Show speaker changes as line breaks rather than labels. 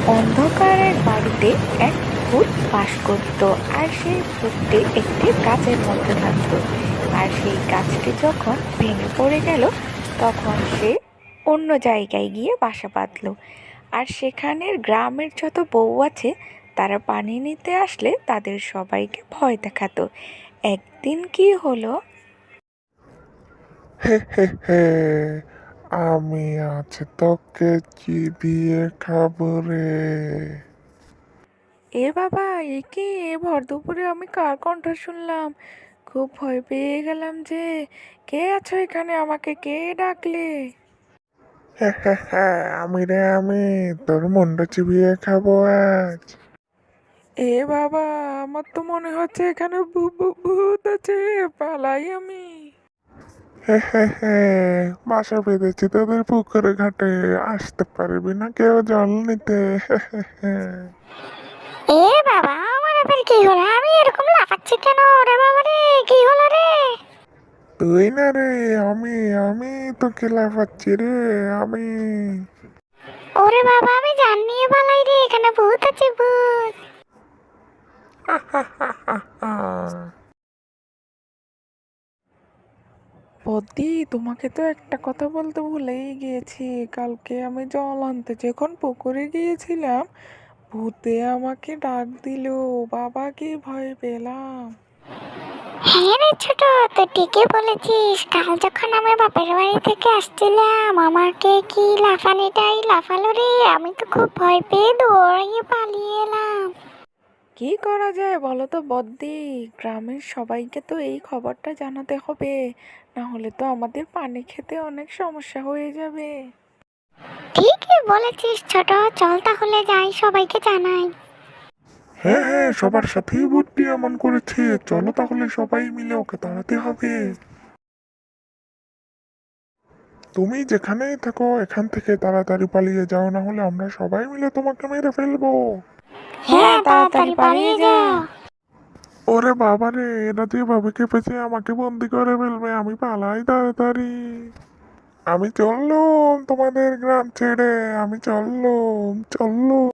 অন্ধকারের বাড়িতে এক ভূত বাস করত। আর সেই ভূতটি একটি গাছের মধ্যে থাকতো। আর সেই গাছটি যখন ভেঙে পড়ে গেল, তখন সে অন্য জায়গায় গিয়ে বাসা বাঁধলো। আর সেখানের গ্রামের যত বউ আছে, তারা পানি নিতে আসলে তাদের সবাইকে ভয় দেখাতো। একদিন কি হলো,
হে হে হে, আমি আজ তোকে চিবিয়ে খাবো রে।
এ বাবা, এ কি এ ভর দুপুরে আমি কার কণ্ঠ শুনলাম? খুব ভয় পেয়ে গেলাম যে। কে আছো এখানে? আমাকে কে ডাকলে?
হে হে হে, আমি রে আমি, তোর মুন্ডু চিবিয়ে খাবো আজ।
এ বাবা, আমার তো মনে হচ্ছে এখানে ভূত আছে। পালাই আমি।
হে হে হে, বাসা বেঁধেছি তোদের পুকুরে ঘাটে, আসতে পারবি না কেউ জল নিতে। হে হে হে।
এ বাবা, আমার আবার কি হলো? আমি এরকম লাফাচ্ছি কেন? ওরে বাবা রে, কি হলো রে?
তুই না রে, আমি আমি তোকে লাফাচ্ছি রে, আমি।
ওরে বাবা, আমি জান নিয়ে পালাই রে, এখানে ভূত আছে, ভূত।
হা হা হা হা হা।
বদ্দি, তোমাকে তো একটা কথা বলতে ভুলেই গিয়েছি। কালকে আমি জল আনতে যখন পুকুরে গিয়েছিলাম, ভূতে আমাকে ডাক দিল। বাবা, কি ভয় পেলাম!
হ্যাঁ রে ছোট, তো ঠিকই বলেছিস। কাল যখন আমি বাপের বাড়ি থেকে আসছিলাম, আমাকে কি লাফানিটাই লাফালো রে। আমি তো খুব ভয় পেয়ে দৌড়িয়ে পালিয়ে এলাম।
কি করা যায় বলো তো বদ্দি? গ্রামের সবাইকে তো এই খবরটা জানাতে হবে, না হলে তো আমাদের পানি খেতে অনেক সমস্যা হয়ে যাবে।
ঠিকই বলেছিস ছোট, চল তাহলে যাই, সবাইকে জানাই।
হ্যাঁ হ্যাঁ, সবার সাথেই বুদ্ধি এমন করেছে, চলো তাহলে সবাই মিলে ওকে তাড়াতে হবে। তুমি যেখানেই থাকো এখান থেকে তাড়াতাড়ি পালিয়ে যাও, না হলে আমরা সবাই মিলে তোমাকে মেরে ফেলবো।
হ্যাঁ, তাড়াতাড়ি পালিয়ে যাও।
ওরে বাবা রে, এরা যেভাবে কেঁপেছে আমাকে বন্দি করে ফেলবে, আমি পালাই তাড়াতাড়ি। আমি চললুম তোমাদের গ্রাম ছেড়ে, আমি চললুম চললুম।